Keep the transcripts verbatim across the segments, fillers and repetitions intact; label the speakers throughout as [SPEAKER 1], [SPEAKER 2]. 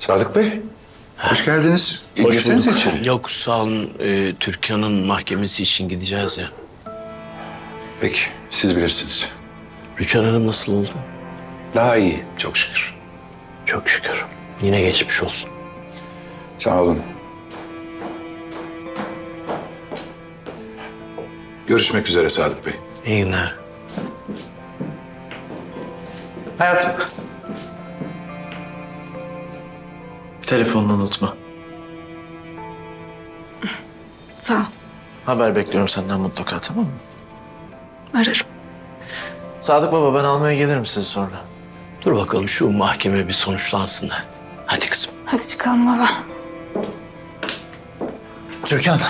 [SPEAKER 1] Sadık Bey, hoş geldiniz.
[SPEAKER 2] Hoş
[SPEAKER 1] Gelsenize
[SPEAKER 2] bulduk.
[SPEAKER 1] içeri.
[SPEAKER 2] Yok sağ olun. Ee, Türkan'ın mahkemesi için gideceğiz ya.
[SPEAKER 1] Peki, siz bilirsiniz.
[SPEAKER 2] Rüçhan Hanım nasıl oldu?
[SPEAKER 1] Daha iyi, çok şükür.
[SPEAKER 2] Çok şükür. Yine geçmiş olsun.
[SPEAKER 1] Sağ olun. Görüşmek üzere Sadık Bey.
[SPEAKER 2] İyi günler.
[SPEAKER 3] Hayatım. Telefonunu unutma.
[SPEAKER 4] Sağ ol.
[SPEAKER 3] Haber bekliyorum senden mutlaka, tamam mı?
[SPEAKER 4] Ararım.
[SPEAKER 3] Sadık baba, ben almaya gelirim sizi sonra.
[SPEAKER 2] Dur bakalım şu mahkeme bir sonuçlansın da. Hadi kızım.
[SPEAKER 4] Hadi çıkalım baba.
[SPEAKER 3] Türkan.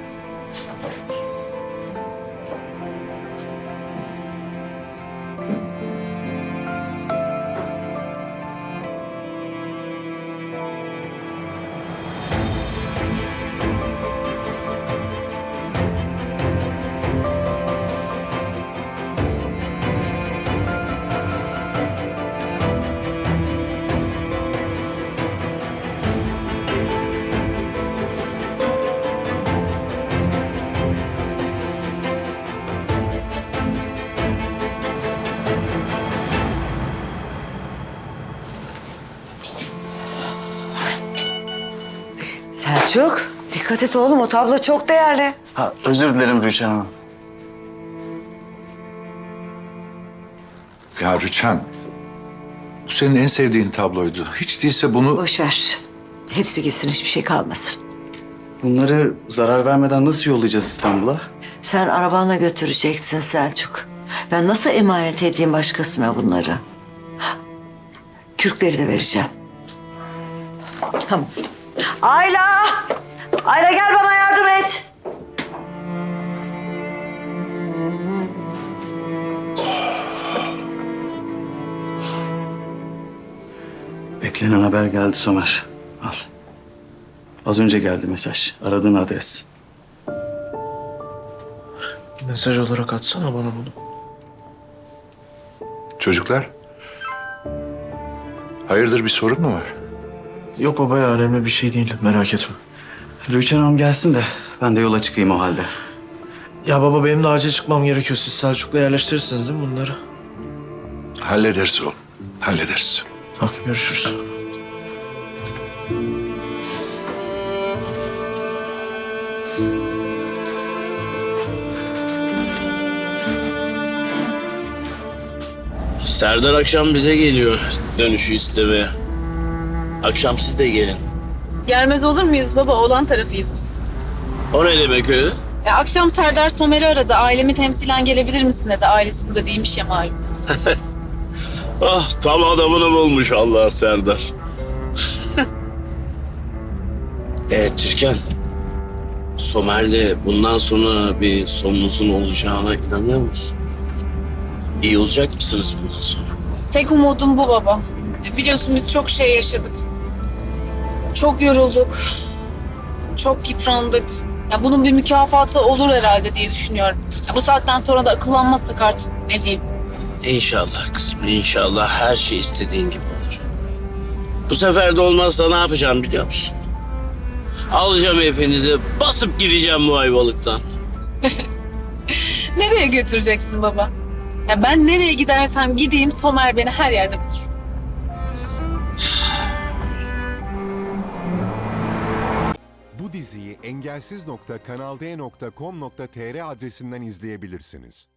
[SPEAKER 5] Selçuk, dikkat et oğlum. O tablo çok değerli.
[SPEAKER 3] Ha, özür dilerim Rüçhan Hanım.
[SPEAKER 1] Ya Rüçhan, bu senin en sevdiğin tabloydu. Hiç değilse bunu...
[SPEAKER 5] Boş ver. Hepsi gitsin, hiçbir şey kalmasın.
[SPEAKER 6] Bunları zarar vermeden nasıl yollayacağız İstanbul'a?
[SPEAKER 5] Sen arabanla götüreceksin Selçuk. Ben nasıl emanet edeyim başkasına bunları? Kürkleri de vereceğim. Tamam. Ayla! Ayla gel bana yardım et.
[SPEAKER 6] Beklenen haber geldi Somer. Al. Az önce geldi mesaj. Aradığın adres.
[SPEAKER 3] Mesaj olarak atsana bana bunu.
[SPEAKER 1] Çocuklar, hayırdır bir sorun mu var?
[SPEAKER 3] Yok baba ya, önemli bir şey değil, merak etme.
[SPEAKER 6] Rüçhan Hanım gelsin de ben de yola çıkayım o halde.
[SPEAKER 3] Ya baba, benim de acil çıkmam gerekiyor. Siz Selçuk'la yerleştirirsiniz değil mi bunları?
[SPEAKER 1] Hallederiz oğlum, hallederiz.
[SPEAKER 3] Tamam, görüşürüz.
[SPEAKER 2] Serdar akşam bize geliyor dönüşü istemeye. Akşam siz de gelin.
[SPEAKER 4] Gelmez olur muyuz baba? Oğlan tarafıyız biz.
[SPEAKER 2] O ne demek öyle?
[SPEAKER 4] Ya akşam Serdar Somer'i aradı. Ailemi temsilen gelebilir misin dedi. Ailesi burada değilmiş ya malum.
[SPEAKER 2] Ah tam adamını bulmuş Allah Serdar. e Türkan. Somer'le bundan sonra bir sonunuzun olacağına inanıyor musun? İyi olacak mısınız bundan sonra?
[SPEAKER 4] Tek umudum bu baba. Biliyorsun biz çok şey yaşadık. Çok yorulduk. Çok yıprandık. Ya bunun bir mükafatı olur herhalde diye düşünüyorum. Ya bu saatten sonra da akıllanmazsak artık ne diyeyim.
[SPEAKER 2] İnşallah kızım, inşallah her şey istediğin gibi olur. Bu sefer de olmazsa ne yapacağım biliyor musun? Alacağım hepinizi, basıp gideceğim bu Ayvalık'tan.
[SPEAKER 4] Nereye götüreceksin baba? Ya ben nereye gidersem gideyim Somer beni her yerde bulur.
[SPEAKER 7] Bu diziyi engelsiz nokta kanal d nokta com nokta tr adresinden izleyebilirsiniz.